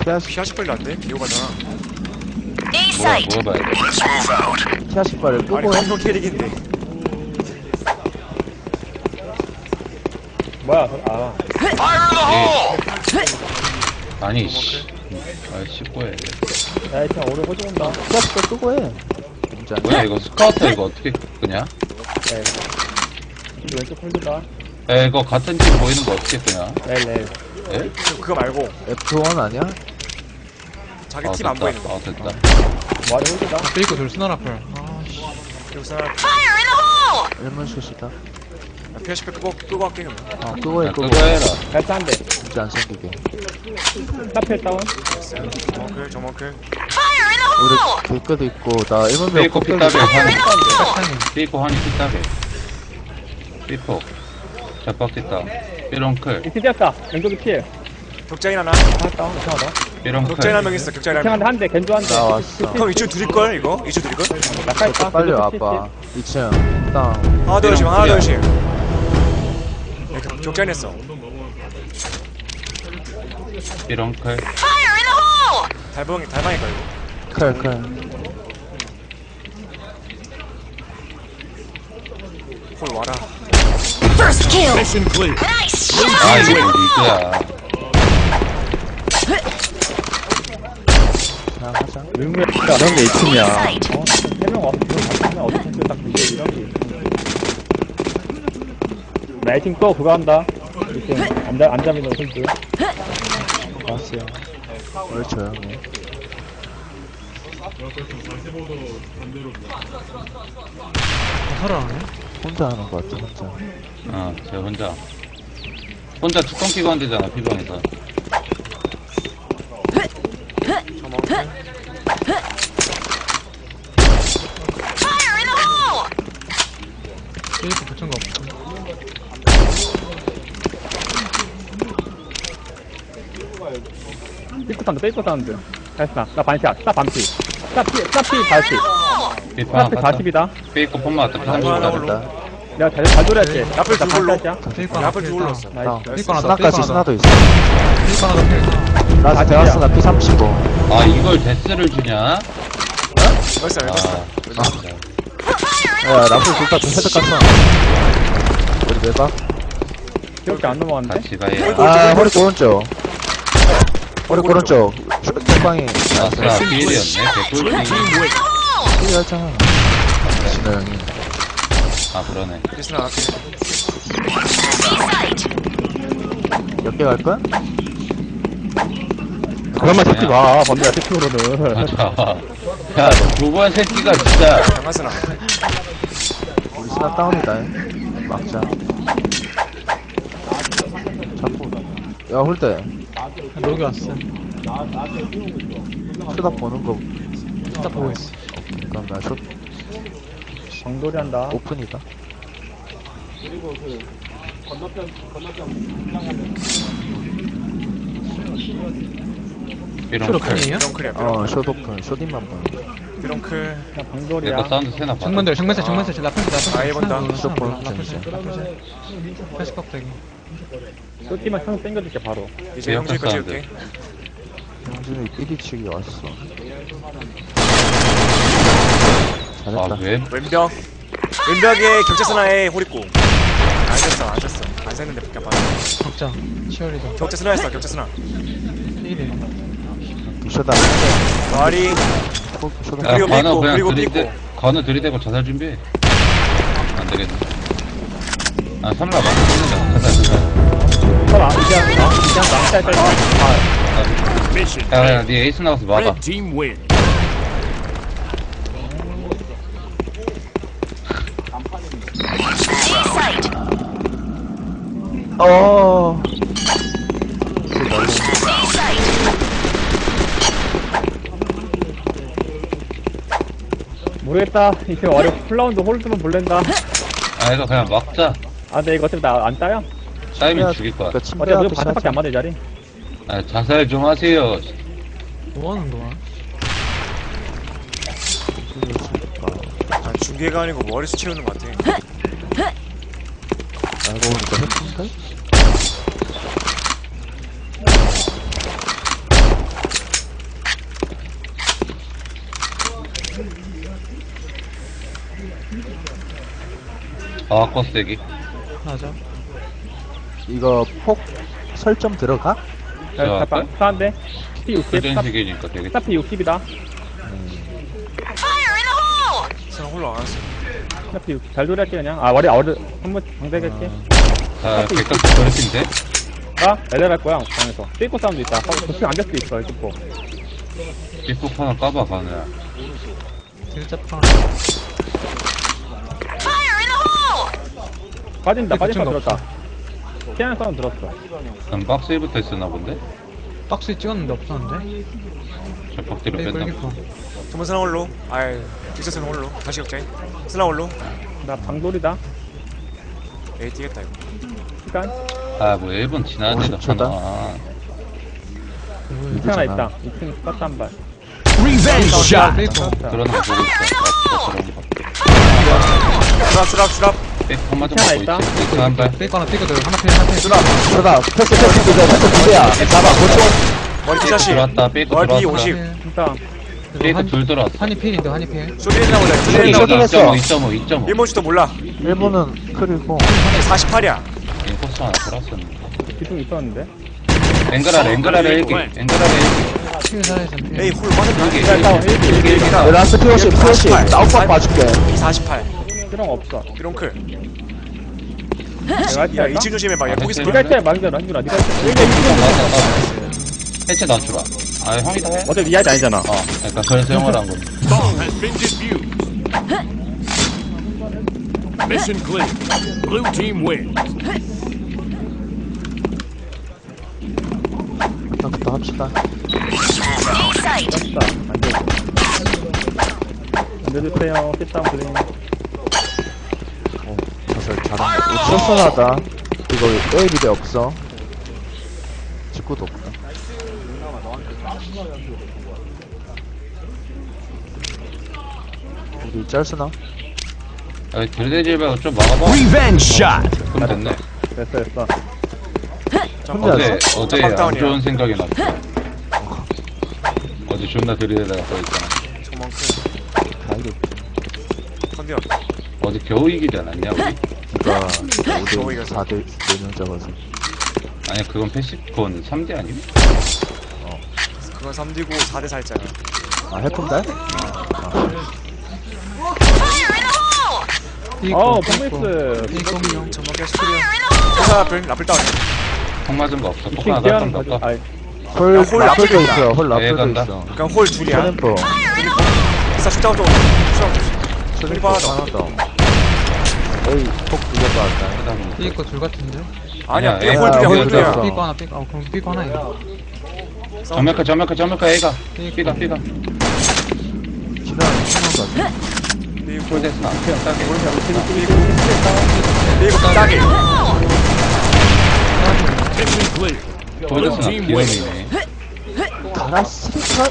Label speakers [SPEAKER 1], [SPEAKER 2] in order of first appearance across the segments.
[SPEAKER 1] 피아식 빨리 안 돼? 기호 가잖아.
[SPEAKER 2] 뭐 봐야 돼?
[SPEAKER 3] 피아식 발을
[SPEAKER 1] 아니,
[SPEAKER 3] 끄고 해.
[SPEAKER 1] 한성 캐릭인데.
[SPEAKER 4] 뭐야, 아.
[SPEAKER 2] 아니, 씨. 아, 씹고 해.
[SPEAKER 4] 야, 그냥 오래 호주온다.
[SPEAKER 3] 피아식 발 끄고 해. 진짜.
[SPEAKER 2] 뭐야, 이거 스카우터 이거 어떻게 끄냐?
[SPEAKER 4] 네. 왼쪽 홀드다.
[SPEAKER 2] 야, 이거 같은 팀 보이는 거 어떻게 끄냐?
[SPEAKER 4] 렐.
[SPEAKER 2] 예?
[SPEAKER 1] 그거 말고,
[SPEAKER 3] F1 아니야?
[SPEAKER 1] 자기
[SPEAKER 2] 아,
[SPEAKER 1] 팀 안
[SPEAKER 2] 됐다.
[SPEAKER 1] 보이는 거.
[SPEAKER 2] 아, 됐다.
[SPEAKER 4] 뭐하니 홀드다.
[SPEAKER 5] 삐고 둘 스나 라플.
[SPEAKER 1] 그리고 사람,
[SPEAKER 3] 일문 슛이다.
[SPEAKER 1] 피아식 빨 끄고 할게, 그럼.
[SPEAKER 3] 끄고 해,
[SPEAKER 2] 야,
[SPEAKER 3] 끄고.
[SPEAKER 2] 그거 해라.
[SPEAKER 4] 발사한대.
[SPEAKER 3] 진짜 안 생기게.
[SPEAKER 4] 스타필 다운.
[SPEAKER 1] 저만큼.
[SPEAKER 3] 우리 길거도 있고, 나 일문병
[SPEAKER 2] 삐고 피따베, 환희. 삐고 환희 피따베. 삐폭. 잡박 뒷다. 삐롱클.
[SPEAKER 4] 이티 뛰었다. 왼쪽이 필.
[SPEAKER 1] 격자인 하나.
[SPEAKER 4] 하나 다운. 이상하다.
[SPEAKER 1] 격자인 한
[SPEAKER 2] 삐롱클.
[SPEAKER 1] 명 있어, 격자인 한
[SPEAKER 4] 이상한데
[SPEAKER 1] 명.
[SPEAKER 4] 한 대, 겐조 한 대.
[SPEAKER 3] 나 왔어.
[SPEAKER 1] 그럼 이쪽 둘일걸, 이거? 이쪽 둘일걸?
[SPEAKER 4] 낙하했다.
[SPEAKER 3] 빨리 와봐. 2층. 땅.
[SPEAKER 1] 하나 더 열심, 하나 더
[SPEAKER 2] 삐롱클이야.
[SPEAKER 1] 열심. 격자인 했어.
[SPEAKER 2] 삐롱클.
[SPEAKER 1] 달방일까, 이거?
[SPEAKER 3] 클.
[SPEAKER 1] 홀 와라.
[SPEAKER 2] 아, 이게 뭐 리그야.
[SPEAKER 3] 그냥 하자.
[SPEAKER 4] 의무야. 이런 게 2층이야. 세명 없으면 어떻게 딱 근데 이런 게 있어. 나 2층 또 그거 한다. 2층 안 잡히는 홀드.
[SPEAKER 3] 왔어요. 왜 조용해?
[SPEAKER 5] 살아나네?
[SPEAKER 3] 혼자 하는 거 같아, 혼자.
[SPEAKER 2] 어, 쟤 혼자. 혼자 뚜껑 끼고 한대잖아, 피방에서.
[SPEAKER 1] 저만큼.
[SPEAKER 5] 삐고 붙은 거 없어.
[SPEAKER 4] 삐끗 사운드. 됐어. 나 반샷. 스타 반피. 스타 피 40.
[SPEAKER 2] 삐방
[SPEAKER 4] 스타 피 40이다.
[SPEAKER 2] 삐고 폰 맞다,
[SPEAKER 1] 하나, 하나,
[SPEAKER 2] 피방에서.
[SPEAKER 1] 홀로.
[SPEAKER 3] 잘했다.
[SPEAKER 4] 내가 잘 돌렸지.
[SPEAKER 1] 앞을 두 골로.
[SPEAKER 4] 반샷이야.
[SPEAKER 5] 삐고 하나
[SPEAKER 1] 앞을
[SPEAKER 5] 필.
[SPEAKER 1] 두 골로 넣었어.
[SPEAKER 3] 땅.
[SPEAKER 4] 나이스.
[SPEAKER 5] 삐고 하나 더,
[SPEAKER 3] 스나까지
[SPEAKER 5] 삐고 하나 더.
[SPEAKER 3] 스나도 있어.
[SPEAKER 5] 삐고 하나 더 필.
[SPEAKER 3] 나 대왔어, 나 P35.
[SPEAKER 2] 아, 이걸 데스를 주냐?
[SPEAKER 1] 벌써
[SPEAKER 2] 아,
[SPEAKER 1] 알겠어.
[SPEAKER 3] 야, 라플 둘다 헤드 깠어. 우리 외박?
[SPEAKER 4] 기억이 안 넘어갔네.
[SPEAKER 2] 같이 가야.
[SPEAKER 3] 아, 허리 오른쪽. 허리 오른쪽. 쇼빵이.
[SPEAKER 2] 아싸, 필이었네. 개꿀ting.
[SPEAKER 3] 필이 하잖아. 진호 형이.
[SPEAKER 2] 아, 그러네.
[SPEAKER 1] 리스나 앞에.
[SPEAKER 3] 몇 개 갈 거야?
[SPEAKER 4] 그런 말 듣지 마. 번데야 특징으로는.
[SPEAKER 2] 맞아. 야, 두 번 새끼가 진짜.
[SPEAKER 1] 장가스나.
[SPEAKER 3] 우리 스나 다운이다. 막자. 자꾸. 야, 홀대.
[SPEAKER 5] 여기 왔어.
[SPEAKER 3] 쇼다 보는 거.
[SPEAKER 5] 딱 보고 있어.
[SPEAKER 3] 그럼 나 쇼,
[SPEAKER 4] 정돌이 한다.
[SPEAKER 3] 오픈이다.
[SPEAKER 2] 삐롱클.
[SPEAKER 5] 삐롱클이에요?
[SPEAKER 1] 드렁클이야,
[SPEAKER 3] 쇼 오픈. 쇼딘만 보는 거.
[SPEAKER 1] 드렁클.
[SPEAKER 4] 그냥 방돌이야.
[SPEAKER 2] 내거 사운드 세나 봐.
[SPEAKER 5] 정면들, 정면들, 정면들. 라플,
[SPEAKER 1] 아, 이번다.
[SPEAKER 3] 무조건
[SPEAKER 5] 라플,
[SPEAKER 3] 정신.
[SPEAKER 5] 라플. 패시 껍데기.
[SPEAKER 4] 쏘기만 형 땡겨줄게 바로.
[SPEAKER 1] 이제 형질 거
[SPEAKER 2] 사운드.
[SPEAKER 1] 찍을게.
[SPEAKER 3] 형준이 삐리치기 왔어.
[SPEAKER 2] 아,
[SPEAKER 3] 잘했다.
[SPEAKER 2] 왜?
[SPEAKER 1] 왼벽. 왼벽에 격자스나에 호리꼬. 안 쐈어, 안 쐈어. 안 쐈는데 밖에 안 봤어.
[SPEAKER 5] 적자. 치어리더.
[SPEAKER 1] 격자스나 했어, 격자스나.
[SPEAKER 5] 1일.
[SPEAKER 3] 쇼다.
[SPEAKER 1] 말이.
[SPEAKER 3] 쇼다.
[SPEAKER 2] 야,
[SPEAKER 1] 그리고
[SPEAKER 2] 건우
[SPEAKER 1] 삐고,
[SPEAKER 2] 그냥
[SPEAKER 1] 그리고
[SPEAKER 2] 들이대,
[SPEAKER 1] 삐고.
[SPEAKER 2] 건우 들이대고 자살 준비해. 안 되겠네. 아, 삼라 맞는다 자살.
[SPEAKER 4] 설아 이제 한다. 짤짤.
[SPEAKER 2] 야, 야, 니 에이스 나가서 막아.
[SPEAKER 6] Red team win.
[SPEAKER 3] 어.
[SPEAKER 4] 모르겠다. 이제 어려 플라운드 홀드만 볼랜다.
[SPEAKER 2] 아, 이거 그냥 막자.
[SPEAKER 4] 아 근데 이거 어차피 나 안 따요?
[SPEAKER 2] 쌓이면 죽일 거야.
[SPEAKER 3] 그러니까
[SPEAKER 4] 어차피
[SPEAKER 3] 침대
[SPEAKER 4] 무조건
[SPEAKER 3] 앞에
[SPEAKER 4] 바닥밖에 안 맞아 이 자리.
[SPEAKER 2] 아, 자살 좀 하세요.
[SPEAKER 5] 뭐 하는 거야?
[SPEAKER 1] 아, 중계가 아니고 머리수 채우는 것 같아.
[SPEAKER 3] 알고 보니까 해픈데?
[SPEAKER 2] 아, 거스대기.
[SPEAKER 5] 맞아.
[SPEAKER 3] 이거 폭 설정 들어가?
[SPEAKER 2] 자,
[SPEAKER 4] 자, 사한데 P 60,
[SPEAKER 2] 그전식이니까 되게.
[SPEAKER 4] 스타피 60이다.
[SPEAKER 1] 저는 홀로 안 왔어.
[SPEAKER 4] 스타피 60. 잘 조리할게 그냥. 아, 머리 한번 방대할게.
[SPEAKER 2] 자, 백각 버릇인데?
[SPEAKER 4] 아, 내려갈 거야 방에서. 삐고 사운드 있다. 도핑 안될 수도 있어 이쪽 거.
[SPEAKER 2] 삐폭 하나 까봐, 가느야.
[SPEAKER 5] 딜잡탕.
[SPEAKER 4] 빠진다. 빠진 거
[SPEAKER 5] 삐고
[SPEAKER 4] 들었다. 피하는 사운드 들었어.
[SPEAKER 2] 난 박스에부터 있었나 본데?
[SPEAKER 5] 박스에 찍었는데 없었는데?
[SPEAKER 2] 저 벽대로
[SPEAKER 5] 페이커
[SPEAKER 2] 뺐나?
[SPEAKER 5] 일기포.
[SPEAKER 1] 전문 스나 홀로. 아이, 빅서스는 홀로. 다시 역자인. 스나 홀로.
[SPEAKER 4] 나 방돌이다.
[SPEAKER 1] 에이, 뛰겠다, 이거.
[SPEAKER 4] 시간.
[SPEAKER 2] 아, 뭐 1분 지났는데도
[SPEAKER 3] 50초 다?
[SPEAKER 2] 하나.
[SPEAKER 4] 이층 하나 있다. 2층 스타트 한 발.
[SPEAKER 5] 페이커.
[SPEAKER 2] 그러는 거 보고 있어. 나 그런 거.
[SPEAKER 1] 수랍.
[SPEAKER 2] 백 한마 좀
[SPEAKER 4] 하나
[SPEAKER 2] 보고
[SPEAKER 4] 있다.
[SPEAKER 2] 있지. 백한 발.
[SPEAKER 5] 페이커 하나 페이커 하나 페이 하나 페이.
[SPEAKER 3] 들어가. 패스 두 개야. 잡아. 고쳐.
[SPEAKER 1] 머리
[SPEAKER 2] 백
[SPEAKER 1] 피샷이.
[SPEAKER 2] 들어왔다. 백
[SPEAKER 1] 머리
[SPEAKER 2] 들어왔다.
[SPEAKER 1] 50.
[SPEAKER 4] 진짜.
[SPEAKER 2] 백 둘 들어왔어.
[SPEAKER 5] 한이 필인데 한이 필.
[SPEAKER 1] 쇼리 나오자. 쇼리
[SPEAKER 3] 쇼리
[SPEAKER 1] 나오자.
[SPEAKER 3] 했어.
[SPEAKER 2] 2.5.
[SPEAKER 1] 1문주도 몰라.
[SPEAKER 3] 일본은 크리고
[SPEAKER 1] 48이야.
[SPEAKER 2] 인코스 하나 들어왔었는데.
[SPEAKER 4] 기둥 있었는데.
[SPEAKER 2] 앵글라를 일기.
[SPEAKER 5] 필사에서 필.
[SPEAKER 1] 에이, 홀 빠졌다.
[SPEAKER 2] 여기.
[SPEAKER 4] 자, 일단 1기.
[SPEAKER 1] 일기다.
[SPEAKER 3] 라스트 피오시 나우박 봐줄게.
[SPEAKER 1] 48.
[SPEAKER 4] 필요가 없어.
[SPEAKER 1] 비롱클.
[SPEAKER 4] 내가
[SPEAKER 1] 야,
[SPEAKER 4] 할게.
[SPEAKER 1] 2층 조심해 봐. 야, 거기서
[SPEAKER 2] 아,
[SPEAKER 4] 네가 할게. 만들어. 한준아. 네가 할게.
[SPEAKER 2] 해체 낮추라. 아, 형이다 해.
[SPEAKER 4] 어차피 네 할게 아니잖아.
[SPEAKER 2] 그러니까 그래서 형을 한 건데.
[SPEAKER 6] Bomb has been defused. Mission clear. Blue team wins.
[SPEAKER 3] 부터 합시다.
[SPEAKER 4] 떴다. 안 돼주세요. kit다운 블링.
[SPEAKER 3] 저설 잘한다. 쇼선하다. 이거 A 비대 없어. 직구도 없다. 우리 짤스나?
[SPEAKER 2] 야, 들대질 말고 좀 막아봐. 그럼 됐네.
[SPEAKER 4] 됐어.
[SPEAKER 3] 혼자
[SPEAKER 2] 어제,
[SPEAKER 3] 했어?
[SPEAKER 2] 어제 안
[SPEAKER 1] 빡다운이야.
[SPEAKER 2] 좋은 생각이 났어. 어제 존나 들이대다가 써있잖아.
[SPEAKER 1] 저만큼.
[SPEAKER 3] 다이도.
[SPEAKER 1] 컨디어.
[SPEAKER 2] 어제 겨우 이기지 않았냐, 우리?
[SPEAKER 3] 그니까
[SPEAKER 1] 겨우
[SPEAKER 3] 5대
[SPEAKER 1] 이겼어.
[SPEAKER 3] 4대 4명 잡아서.
[SPEAKER 2] 아니야, 그건 그건 3대 아님?
[SPEAKER 1] 그건 3D고 4대 4했잖아.
[SPEAKER 3] 아 해픈달?
[SPEAKER 4] 어우,
[SPEAKER 5] 페이커.
[SPEAKER 4] 펑미스.
[SPEAKER 5] 페이커 운영.
[SPEAKER 1] 전망 계속 클리어. 회사 라플 다운.
[SPEAKER 2] 형 맞은 거 없어. 폭
[SPEAKER 4] 2층
[SPEAKER 2] 하나
[SPEAKER 4] 기하는
[SPEAKER 2] 더
[SPEAKER 4] 거지.
[SPEAKER 2] 던졌다.
[SPEAKER 4] 아이,
[SPEAKER 3] 홀
[SPEAKER 1] 야, 홀
[SPEAKER 3] 라플도
[SPEAKER 1] 라플이다.
[SPEAKER 3] 있어. 홀
[SPEAKER 2] 네,
[SPEAKER 3] 라플도
[SPEAKER 2] 간다.
[SPEAKER 3] 있어.
[SPEAKER 1] 그냥 홀 둘이야.
[SPEAKER 3] 트램프.
[SPEAKER 1] 회사 슛다운 쪽.
[SPEAKER 3] 트램프
[SPEAKER 1] 하나 더.
[SPEAKER 3] 하나 더. A 폭 2개 빠졌다.
[SPEAKER 5] 페이커 둘 같은데?
[SPEAKER 1] 아니야,
[SPEAKER 2] 아니야,
[SPEAKER 1] 삐
[SPEAKER 2] 얘
[SPEAKER 1] 홀 둘이야, 홀
[SPEAKER 3] 홀
[SPEAKER 1] 둘이야.
[SPEAKER 3] 둘이야.
[SPEAKER 5] 페이커 하나 페이커. 그럼 페이커 하나야.
[SPEAKER 2] 점멸카 A가. B가.
[SPEAKER 3] 지난 신호 같아.
[SPEAKER 1] 삐고
[SPEAKER 2] 홀데스나. 따게.
[SPEAKER 1] 따게.
[SPEAKER 6] Mission clear. Blue
[SPEAKER 2] 홀데스나
[SPEAKER 6] team wins.
[SPEAKER 2] 기름이네.
[SPEAKER 3] 가라 스리컷.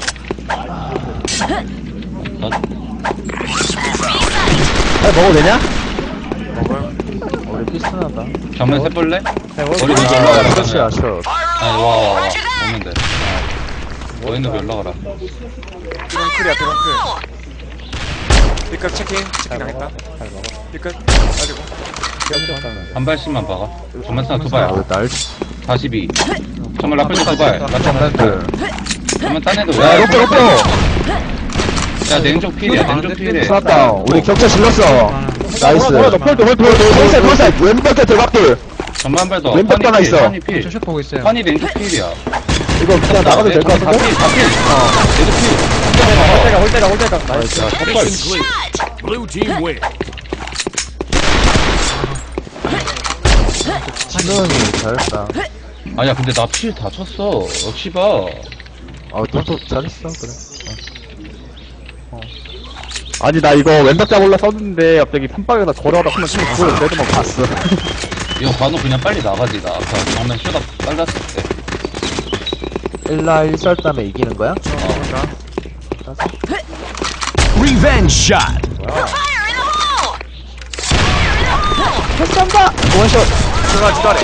[SPEAKER 3] 먹어도 되냐?
[SPEAKER 1] 먹어요.
[SPEAKER 3] 우리 피스나다.
[SPEAKER 2] 전면 세볼래? 머리
[SPEAKER 4] 네,
[SPEAKER 2] 위로 올라가라.
[SPEAKER 3] 끝이야 셔.
[SPEAKER 2] 아니, 와. 오면 돼. 뭐 있는 거 올라가라.
[SPEAKER 1] 비롱클이야, 비롱클. 삐끗 체킹 당했다. 삐끗 가지고.
[SPEAKER 2] 한 발씩만 박아. 전면 스나 두 발.
[SPEAKER 3] 날
[SPEAKER 2] 42. 전면 라플도 두 발.
[SPEAKER 3] 장난들.
[SPEAKER 2] 전면 딴 애도
[SPEAKER 3] 야 로또 로또.
[SPEAKER 2] 야, 냉정 필이야. 냉정 필이야.
[SPEAKER 3] 쐈다. 우리 격차 질렀어. 나이스. 홀셋 왼벽에 들어갈게.
[SPEAKER 2] 전만 발더.
[SPEAKER 3] 왼쪽 하나 있어.
[SPEAKER 2] 환희 필.
[SPEAKER 5] 저샷 보고 있어요.
[SPEAKER 2] 환희 냉정 필이야.
[SPEAKER 3] 이거 그냥 나가도 될 것 같은데?
[SPEAKER 2] 다 필. 얘도 필.
[SPEAKER 4] 홀대가. 나이스.
[SPEAKER 2] 야,
[SPEAKER 6] Mission clear. Blue team wins.
[SPEAKER 3] 진호형이 잘했다.
[SPEAKER 2] 아니야, 근데 나 필 다 쳤어. 역시 봐.
[SPEAKER 3] 너도 잘했어 그래.
[SPEAKER 4] 아니, 나 이거 왼쪽 잡을라 썼는데, 갑자기 판박에다 걸어가다 한번 치면 그걸 내도만 봤어.
[SPEAKER 2] 이거 관우 그냥 빨리 나가지. 나 아까 정면 쇼다 빨랐을 때.
[SPEAKER 3] 1라 1설 다음에 이기는 거야?
[SPEAKER 1] 뭔가.
[SPEAKER 3] 패스한다! 원샷!
[SPEAKER 1] 들어가 주다래.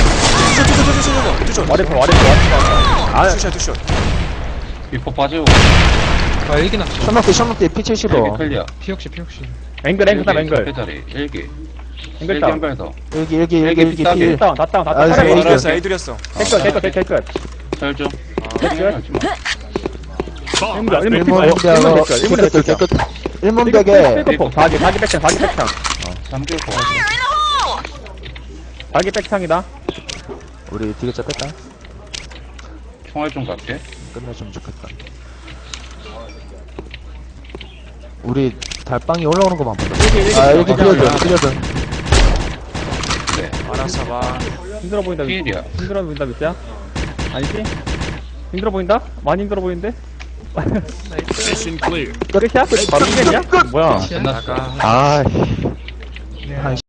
[SPEAKER 1] 투샷.
[SPEAKER 4] 와리퍼.
[SPEAKER 1] 아, 투샷.
[SPEAKER 2] 비포 빠지고.
[SPEAKER 5] 아 일기 낙지.
[SPEAKER 3] 션럭대 P75.
[SPEAKER 2] 클리어.
[SPEAKER 5] 피옥시 피옥시.
[SPEAKER 4] 앵글, 앵글.
[SPEAKER 2] 자리. 1기. 일기
[SPEAKER 4] 앵글다운.
[SPEAKER 2] 한발더
[SPEAKER 3] 일기
[SPEAKER 2] 비싸게.
[SPEAKER 3] 필.
[SPEAKER 4] 다운, 다 다운, 다
[SPEAKER 3] 아,
[SPEAKER 4] 다운.
[SPEAKER 3] 에이,
[SPEAKER 1] 에이드렸어 에이드렸어.
[SPEAKER 4] 깨끗.
[SPEAKER 2] 설정
[SPEAKER 4] 깨끗.
[SPEAKER 6] Bomb
[SPEAKER 4] 일문,
[SPEAKER 6] has
[SPEAKER 4] 일문
[SPEAKER 6] been
[SPEAKER 4] 피-
[SPEAKER 3] 일문
[SPEAKER 4] 일문
[SPEAKER 3] 대하고
[SPEAKER 4] 깨끗, 일문에
[SPEAKER 3] 깨끗
[SPEAKER 4] 깨끗.
[SPEAKER 3] 깨끗. 일문 벽에
[SPEAKER 4] 백폭, 자기 백창.
[SPEAKER 2] 3킬 거 같아
[SPEAKER 4] 자기 백창이다.
[SPEAKER 3] 우리 디귿자 뺐다.
[SPEAKER 2] 총알 좀 갈게
[SPEAKER 3] 끝내주면 좋겠다. 우리 달빵이 올라오는 거만 보자. 아 일기 필요든.
[SPEAKER 2] 네
[SPEAKER 1] 알아서 봐.
[SPEAKER 4] 힘들어 보인다.
[SPEAKER 2] 피일이야
[SPEAKER 4] 힘들어 보인다, 밑이야? 아니지? 힘들어 보인다? 많이 힘들어 보이는데?
[SPEAKER 6] mission clear.
[SPEAKER 4] 끝이야? 끝? 바로 끝이야? 뭐야?
[SPEAKER 2] 끝났어
[SPEAKER 1] 나가.
[SPEAKER 3] 아.
[SPEAKER 5] 네.
[SPEAKER 3] 한